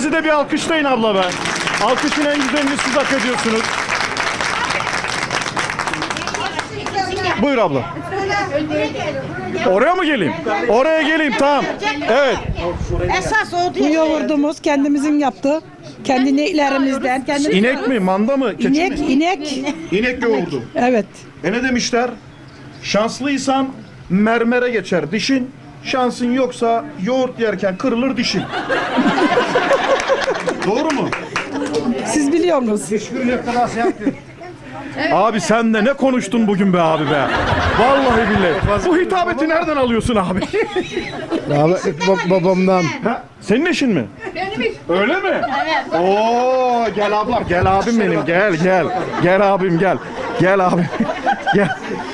Sizi de bir alkışlayın abla be. Alkışın en güzelini siz hak ediyorsunuz. Buyur abla. Oraya mı geleyim? Oraya geleyim, tamam. Evet. Esas o Bu değil. yoğurdumuz kendimizin yaptı. Kendi ineklerimizden. İnek mi, manda mı, keçi İnek, mi? inek. İnek yoğurdu. Evet. Ne demişler? Şanslıysan mermere geçer dişin. Şansın yoksa yoğurt yerken kırılır dişin. Doğru mu? Siz biliyorsunuz. Abi sen de ne konuştun bugün be abi be. Vallahi billahi. Bu hitabeti nereden alıyorsun abi? Rahmetli babamdan. Ha, senin eşin mi? Benim iş. Öyle mi? Evet. Oo, gel abla, gel abim benim, gel gel. Gel abim gel. Gel abim. Gel.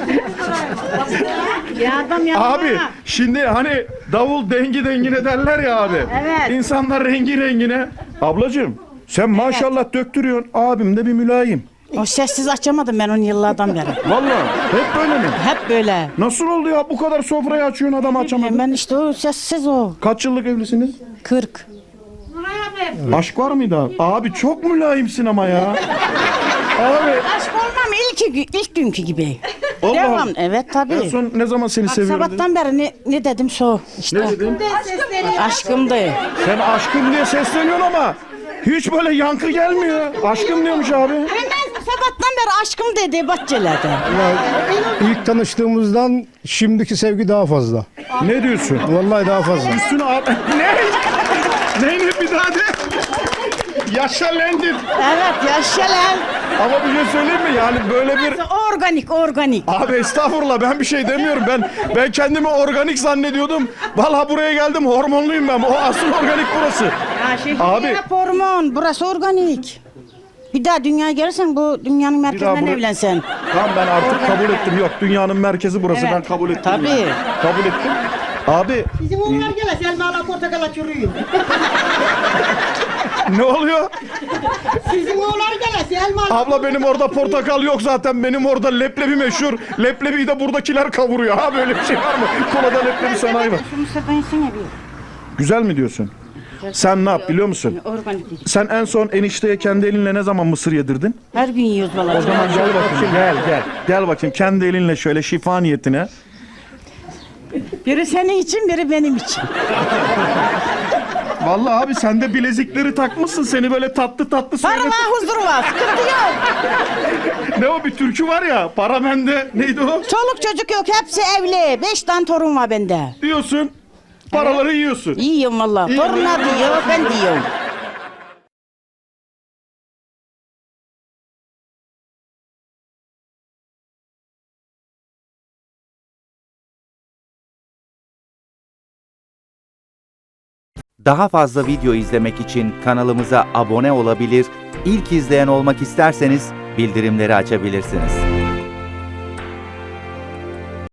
Ya adam yanıma. Abi şimdi hani davul dengi dengine derler ya abi. Evet. İnsanlar rengi rengine. Ablacığım sen maşallah döktürüyorsun. Abim de bir mülayim. O sessiz açamadım ben onu yıllardan beri. Vallahi hep böyle mi? Hep böyle. Nasıl oldu ya bu kadar sofrayı açıyorsun adam açamadın? Ben işte o sessiz o. Kaç yıllık evlisiniz? 40. Aşk var mıydı abi? Abi çok mülayimsin ama ya. Abi. Aşk olmam ilk günkü gibi. Allah Devam. Allah. Evet tabii. En son ne zaman seni Bak, seviyorum dedin? sabahtan beri ne dedim so işte. Ne dedin? Aşkımdı. Sen aşkım diye sesleniyorsun ama hiç böyle yankı gelmiyor. Aşkım diyormuş abi. Hemen sabahtan beri aşkım dedi bahçelerde. İlk tanıştığımızdan şimdiki sevgi daha fazla. Ne diyorsun? Vallahi daha fazla. Üstüne al. Ne? Ne bir daha de? Yaşa lendir. Evet yaşa lan. Ama bir şey söyleyeyim mi? Yani böyle bir... Organik. Abi estağfurullah ben bir şey demiyorum. Ben kendimi organik zannediyordum. Vallahi buraya geldim hormonluyum ben. O asıl organik burası. Abi. Hep hormon. Burası organik. Bir daha dünyaya gelirsen bu dünyanın merkezinden buraya- evlensen. Tamam ben artık kabul ettim. Yok dünyanın merkezi burası. Evet. Ben kabul ettim. Tabii. Yani. Kabul ettim. Abi Bizim oğullar gele elmalar portakala çürüyor. ne oluyor? Sizin oğullar gele elmalar. Abla benim orada portakal yok zaten. Benim orada leblebi meşhur. Leblebiyi de buradakiler kavuruyor. Ha böyle bir şey var mı? Kolada leblebi sanayi var. Şunu sefersin ya bir. Güzel mi diyorsun? Sen ne yap biliyor musun? Organik değil. Sen en son enişteye kendi elinle ne zaman mısır yedirdin? Her gün yiyoruz vallahi. O zaman gel bakayım. Gel. Gel bakayım kendi elinle şöyle şifa niyetine. Biri senin için biri benim için. Vallahi abi sen de bilezikleri takmışsın. Seni böyle tatlı tatlı Para söyle. var huzur var. Sıkıntı yok. Ne o bir türkü var ya. Para bende. Neydi o? Çoluk çocuk yok hepsi evli. 5 tane torun var bende. Diyorsun. Paraları yiyorsun. Yiyorum valla. İyi. Torunlar diyor ben diyorum. Daha fazla video izlemek için kanalımıza abone olabilir, ilk izleyen olmak isterseniz bildirimleri açabilirsiniz.